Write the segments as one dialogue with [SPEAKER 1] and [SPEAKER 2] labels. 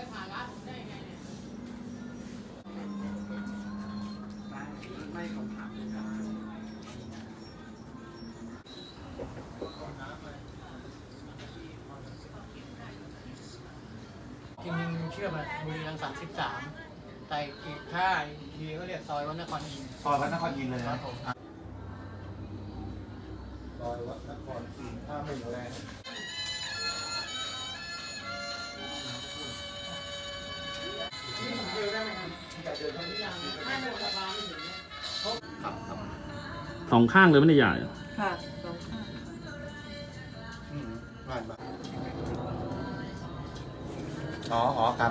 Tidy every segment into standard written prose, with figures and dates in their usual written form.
[SPEAKER 1] ไม่ของถามจริงๆเชื่อไหมบุรีรัมย์33แต่อีกท่าทีก็เรียกซอยวัดนครอินทร์
[SPEAKER 2] ซอยวัดนครอินทร์เลย
[SPEAKER 1] ครั
[SPEAKER 2] นะ
[SPEAKER 1] บผม
[SPEAKER 2] ซอยวัดนครอินทร์ถ้าไม่อยู่แรง
[SPEAKER 1] นี่ผมเดินได้ไหมครับแต่เดินทางนี้ยังไม่หมดสะพานไม่ถึงขับ
[SPEAKER 3] สองข้างเลยไม่ได้ใหญ่
[SPEAKER 4] ค่ะสองข้าง
[SPEAKER 2] ผ่านมาอ๋อครับ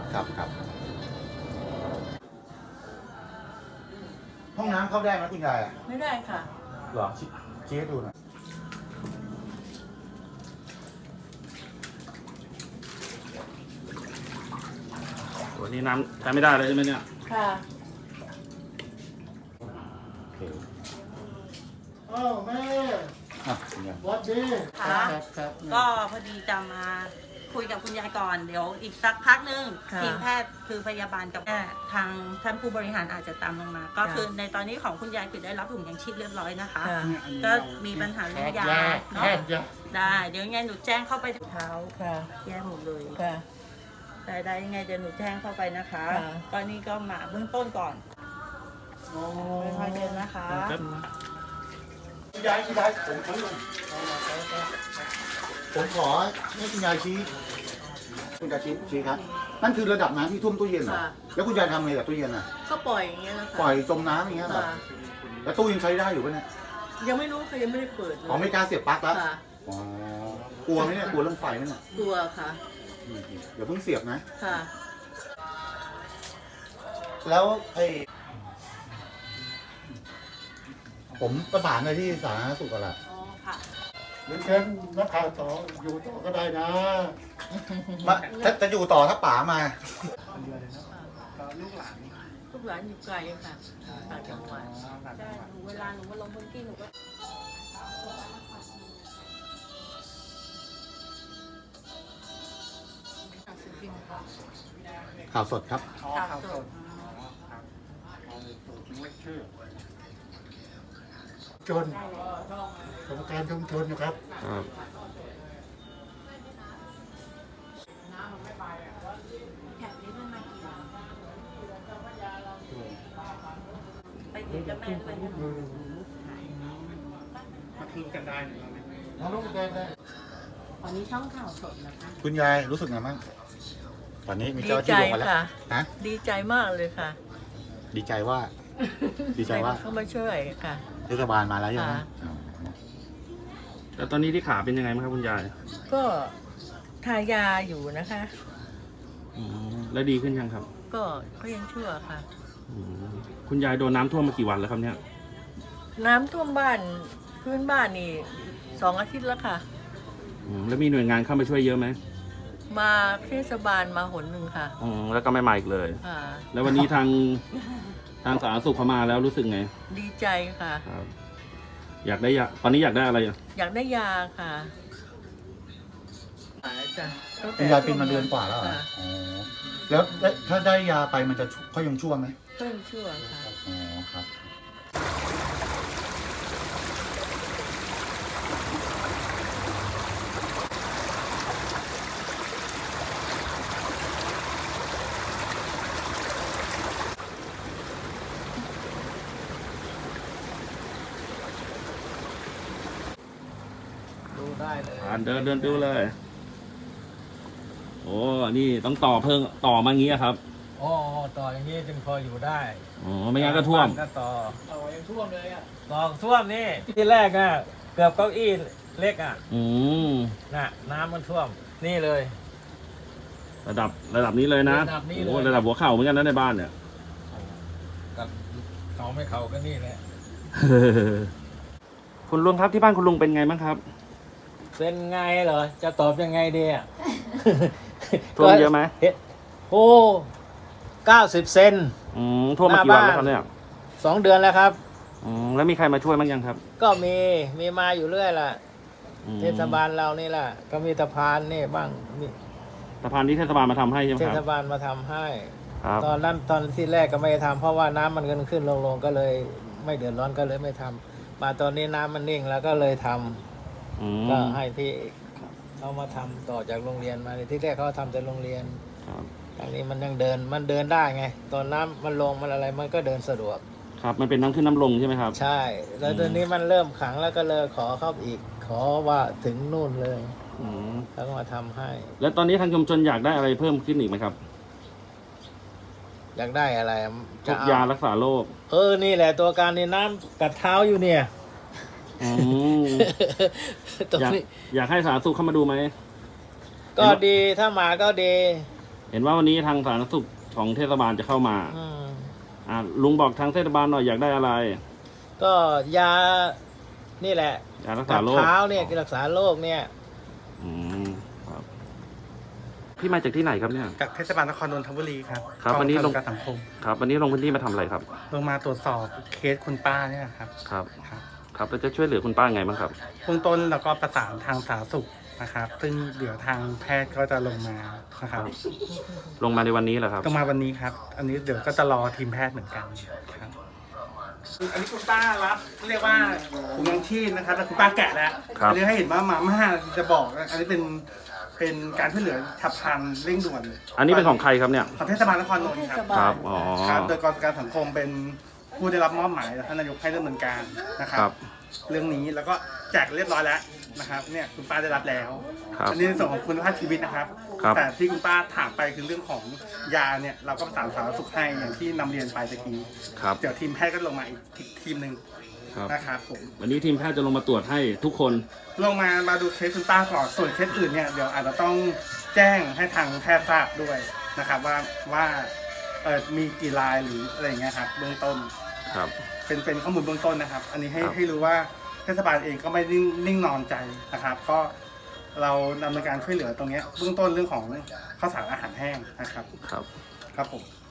[SPEAKER 2] ห้องน้ำเข้าได้ไหมคุณยายอ่ะ
[SPEAKER 4] ไม่ได้ค่ะ
[SPEAKER 2] หรอชี้ให้ดูหน่อย
[SPEAKER 3] วันนี้น้ำใช้ไม่ได้เลยใช่ไหมเนี่ย
[SPEAKER 4] ค่ะ
[SPEAKER 2] โอเค
[SPEAKER 1] อ้าวแม่
[SPEAKER 2] คุณยาย
[SPEAKER 1] วัดดี
[SPEAKER 5] ค่ะ
[SPEAKER 1] ครับ
[SPEAKER 5] ก็พอดีจะมาคุยกับคุณยายก่อนเดี๋ยวอีกสักพักหนึง
[SPEAKER 4] ค่ะ
[SPEAKER 5] ทีมแพทย์คือพยาบาลกับแพทย์ทางท่านผู้บริหารอาจจะตามลงมา ก็คือในตอนนี้ของคุณยายคือได้รับถุงยางชีพเรียบร้อยนะคะ
[SPEAKER 4] ค่ะ
[SPEAKER 5] ก็มีปัญหาเรื่องยา
[SPEAKER 1] แพ
[SPEAKER 5] เนาะ
[SPEAKER 1] ทย์ยา
[SPEAKER 5] ได้เดี๋ยวยังไงหนูแจ้งเข้าไปที่เท้า
[SPEAKER 4] ค่ะ
[SPEAKER 5] แย่หมดเลย
[SPEAKER 4] ค่ะ
[SPEAKER 5] ได้ยังไงเดี๋ยวหนูแจ้งเข้าไปนะคะ
[SPEAKER 4] ค่ะ
[SPEAKER 5] ตอนนี้ก็มาเบื้องต้นก่อนค่อยๆเดินนะคะ
[SPEAKER 2] คุณยายผมขอให้คุณยายชี้ครับ นั่นคือระดับน้ำที่ท่วมตู้เย็นเหรอ
[SPEAKER 4] ค่ะ
[SPEAKER 2] แล้วคุณยายทำไงกับตู้เย็นอ่ะ
[SPEAKER 4] ก็ปล่อยอย่างเงี้ยนะคะ
[SPEAKER 2] ปล่อยจมน้ำอย่างเงี้ยเหรอ
[SPEAKER 4] ค่ะ
[SPEAKER 2] แล้วตู้ยังใช้ได้อยู่ปะเนี่ย
[SPEAKER 4] ยังไม่รู้ค่ะยังไม่ได้เปิดเลย
[SPEAKER 2] อ๋อไม่กล้าเสียบปลั๊กแล้ว
[SPEAKER 4] ค่ะ
[SPEAKER 2] อ๋อกลัวไหมเนี่ยกลัวเรื่องไฟไหมเนี่ย
[SPEAKER 4] กลัวค่ะ
[SPEAKER 2] เดี๋ยวเพิ่งเสียบนะ
[SPEAKER 4] ค่ะ
[SPEAKER 2] แล้วผมประสานไปที่สาธารณสุขกันละ
[SPEAKER 5] อ๋อค่ะ
[SPEAKER 1] เรียนเชิญนักข่าวต่ออยู่ต่อก็ได้นะ
[SPEAKER 2] มาจะอยู่ต่อถ้าป๋ามา
[SPEAKER 1] ลูกหลาน
[SPEAKER 4] ทุกหลานอยู่ไกลค่ะต่างจังหวัด
[SPEAKER 5] ใช่หนูเวลาหนูมาลงพื้นที่หนูก็
[SPEAKER 2] ข่าวสดครับ
[SPEAKER 1] ข่าวสดไม่เชื่อจนกรรมการชุมชนนะครับ
[SPEAKER 5] ไปถึงกับแม่ด้วยนะ
[SPEAKER 1] มาคืนกันได้เราลูกได้
[SPEAKER 5] ตอนนี้ช่องข่าวสดนะคะ
[SPEAKER 2] คุณยายรู้สึกไงบ้างตอนนี้มี
[SPEAKER 4] ดี
[SPEAKER 2] เจ้าหน้า
[SPEAKER 4] ใจ
[SPEAKER 2] ที่ลงมาแล้ว
[SPEAKER 4] ค่ะ
[SPEAKER 2] ฮะ
[SPEAKER 4] ดีใจมากเลยค่ะ
[SPEAKER 2] ดีใจว่า ดีใจว่า
[SPEAKER 4] เขามาช่วยค่ะ
[SPEAKER 2] เทศบาลมาแล้วใช่ไหม
[SPEAKER 4] ค่ะ
[SPEAKER 2] อ๋อ
[SPEAKER 3] แล้วตอนนี้ที่ขาเป็นยังไงบ้างครับคุณยาย
[SPEAKER 4] ก็ทายาอยู่นะคะ
[SPEAKER 3] แล้วดีขึ้นยังครับ
[SPEAKER 4] ก็ยังชั่วค่ะ
[SPEAKER 3] คุณยายโดนน้ำท่วมมากี่วันแล้วครับเนี่ย
[SPEAKER 4] น้ำท่วมบ้านพื้นบ้านนี่2 อาทิตย์แล้วค่ะ
[SPEAKER 3] แล้วมีหน่วยงานเข้ามาช่วยเยอะไหม
[SPEAKER 4] มาเทศบาลมาหนหนึ่งค่ะ
[SPEAKER 3] แล้วก็ไม่มาอีกเลย
[SPEAKER 4] ค่ะ
[SPEAKER 3] แล้ววันนี้ทางสาธารณสุขเขามาแล้วรู้สึกไง
[SPEAKER 4] ดีใจค่ะ
[SPEAKER 3] ครับ อยากได้ยาตอนนี้อยากได้อะไรอ่ะ
[SPEAKER 4] อยากได้ยาค่ะจ้ะตั้งแต่
[SPEAKER 2] คุณยายเป็นมาเดือนกว่าแล้วเหรอ
[SPEAKER 4] ค่ะ
[SPEAKER 2] อ๋อแล้วถ้าได้ยาไปมันจะเขายังชั่วไหม
[SPEAKER 4] เพิ่งชั่วค่ะ
[SPEAKER 2] อ๋อครับ
[SPEAKER 1] ดูได้เลย
[SPEAKER 3] เดินดูเลย โอ้นี่ต้องต่อเพิ่งต่อมางี้อะครับ
[SPEAKER 1] อ๋อต่ออย่างนี้จึงพออยู่ได้
[SPEAKER 3] อ๋อไม่งั้นก็ท่วม
[SPEAKER 1] ก็ต่อยังท่วมเลยอ่ะต่อท่วมนี่ที่แรกอ่ะเกือบเก้าอี้เล็กอ่ะ
[SPEAKER 3] อืม
[SPEAKER 1] น่ะน้ำมันท่วมนี่เลย
[SPEAKER 3] ระดับนี้เลยนะ
[SPEAKER 1] ระดับนี้เลย
[SPEAKER 3] โอ้ระดับหัวเข่าเหมือนกันนะในบ้านเนี่ย
[SPEAKER 1] กับเขาไม่เขาก็นี่แหละ
[SPEAKER 3] คุณลุงครับที่บ้านคุณลุงเป็นไงบ้างครับ
[SPEAKER 1] เป็นไงเหรอจะตอบยังไงดีอ่ะ
[SPEAKER 3] ท่วมเยอะไหม
[SPEAKER 1] โอ้90 เซน
[SPEAKER 3] ท่วมมากี่วันแล้วครับเนี่ย
[SPEAKER 1] 2 เดือนแล้วครับ
[SPEAKER 3] แล้วมีใครมาช่วยบ้างยังครับ
[SPEAKER 1] ก็มีมาอยู่เรื่อยล่ะ
[SPEAKER 3] อืม
[SPEAKER 1] เทศบาลเรานี่แหละก็มีสะพานนี่บ้างมี
[SPEAKER 3] สะพานที่เทศบาลมาทำให้ใช่ไหม
[SPEAKER 6] เท
[SPEAKER 3] ค
[SPEAKER 6] ศ
[SPEAKER 3] รับ
[SPEAKER 6] บาลมาทำให้
[SPEAKER 3] ครับ
[SPEAKER 6] ตอนที่แรกก็ไม่ได้ทำเพราะว่าน้ำมันขึ้นลงก็เลยไม่เดือดร้อนก็เลยไม่ทำมาตอนนี้น้ำมันนิ่งแล้วก็เลยทำ
[SPEAKER 3] อืม
[SPEAKER 6] ก็ให้ที่เขามาทำต่อจากโรงเรียนมาที่แรกเขาทำแต่โรงเรียน
[SPEAKER 3] ครับ
[SPEAKER 6] อันนี้มันยังเดินได้ไง ตอนน้ำมันลงมันอะไรมันก็เดินสะดวก
[SPEAKER 3] ครับมันเป็นน้ำขึ้นน้ำลงใช่ไหมครับ
[SPEAKER 6] ใช่ แล้วตอนนี้มันเริ่มขังแล้วก็เลยขอเข้าอีก ขอว่าถึงนู่นเลย
[SPEAKER 3] อืม
[SPEAKER 6] เขาก็มาทำให้
[SPEAKER 3] แล้วตอนนี้ทางชุมชนอยากได้อะไรเพิ่มขึ้นอีกไหมครับ
[SPEAKER 6] อยากได้อะไร
[SPEAKER 3] พวกยารักษาโรค
[SPEAKER 6] นี่แหละตัวการในน้ำกัดเท้าอยู่เนี่ย
[SPEAKER 3] อืม
[SPEAKER 6] ตรง
[SPEAKER 3] อยาก
[SPEAKER 6] นี้
[SPEAKER 3] อยากให้สาธารณสุขเข้ามาดูไหม
[SPEAKER 6] ก็ดีถ้ามาก็ดี
[SPEAKER 3] เห็นว่าวันนี้ทางสาธารณสุขของเทศบาลจะเข้ามา
[SPEAKER 6] อืม
[SPEAKER 3] ลุงบอกทางเทศบาลหน่อยอยากได้อะไร
[SPEAKER 6] ก็ยานี่แหละ
[SPEAKER 3] ยารัก
[SPEAKER 6] กั
[SPEAKER 3] ษา
[SPEAKER 6] ด
[SPEAKER 3] โรค
[SPEAKER 6] เท้าเนี่ยรักษาโรคเนี่ย
[SPEAKER 3] อืมครับพี่มาจากที่ไหนครับเนี่ย
[SPEAKER 7] จากเทศบาลนครนนทบุรีครับ
[SPEAKER 3] ครับวันนี้ลง
[SPEAKER 7] กองทุการสังคม
[SPEAKER 3] ครับ วันนี้ลงพื้นที่มาทำอะไรครับ
[SPEAKER 7] ลงมาตรวจสอบเคสคุณป้าเนี่ยครับ
[SPEAKER 3] ครับ
[SPEAKER 7] ครับ
[SPEAKER 3] ครับแล้วจะช่วยเหลือคุณป้าไงบ้างครับ
[SPEAKER 7] เบื้องต้นเราก็ประสานทางสาธารณสุขนะครับ ซึ่งเดี๋ยวทางแพทย์ก็จะลงมานะครับ
[SPEAKER 3] ลงมาในวันนี้เหรอครับ
[SPEAKER 7] ลงมาวันนี้ครับ อันนี้เดี๋ยวก็จะรอทีมแพทย์เหมือนกันครับอันนี้คุณป้ารับเรียกว่าถุงยังชีพนะครับแต่คุณป้าแกะแล้ว
[SPEAKER 3] ครับ
[SPEAKER 7] อันนี้ให้เห็นว่ามาม่าจะบอกอันนี้เป็นการช่วยเหลือฉับพลันเร่งด่วน
[SPEAKER 3] อันนี้เป็นของใครครับเนี่ย
[SPEAKER 7] ของเทศบาลนครนนท์ครับ
[SPEAKER 3] ครับ อ๋อ
[SPEAKER 7] ครับโดยกองการสังคมเป็นผู้ได้รับมอบหมายจากท่านนายกให้ดำเนินการนะครั
[SPEAKER 3] ครับ บ
[SPEAKER 7] เรื่องนี้แล้วก็แจกเรียบร้อยแล้วนะครับเนี่ยคุณป้าได้รับแล้ว
[SPEAKER 3] ครับ
[SPEAKER 7] อันนี้ในส่วนของคุณภาพชีวิตนะครับ
[SPEAKER 3] ครับ
[SPEAKER 7] แต่ที่คุณป้าถามไปคือเรื่องของยาเนี่ยเราก็ประสานสาธารณสุขให้อย่างที่นำเรียนไปตะกี้
[SPEAKER 3] ครับ
[SPEAKER 7] เดี๋ยวทีมแพทย์ก็ลงมาอีกทีมหนึ่ง
[SPEAKER 3] ครับ
[SPEAKER 7] นะครับผม
[SPEAKER 3] วันนี้ทีมแพทย์จะลงมาตรวจให้ทุกคน
[SPEAKER 7] ลงมาดูเคสคุณป้าก่อนส่วนเคสอื่นเนี่ยเดี๋ยวอาจจะต้องแจ้งให้ทางแพทย์ทราบด้วยนะครับว่ามีกี่รายหรืออะไรอย่างเงี้ยครับเบื้องต้น
[SPEAKER 3] ครับ
[SPEAKER 7] เป็นข้อมูลเบื้องต้นนะครับ อันนี้ให้
[SPEAKER 3] ครับ
[SPEAKER 7] ให้รู้ว่าเทศบาลเองก็ไม่นิ่งนอนใจนะครับ ก็เราดำเนินการช่วยเหลือตรงเนี้ยเบื้องต้นเรื่องของข้าวสารอาหารแห้งนะครับ
[SPEAKER 3] ครับ
[SPEAKER 7] ครับผม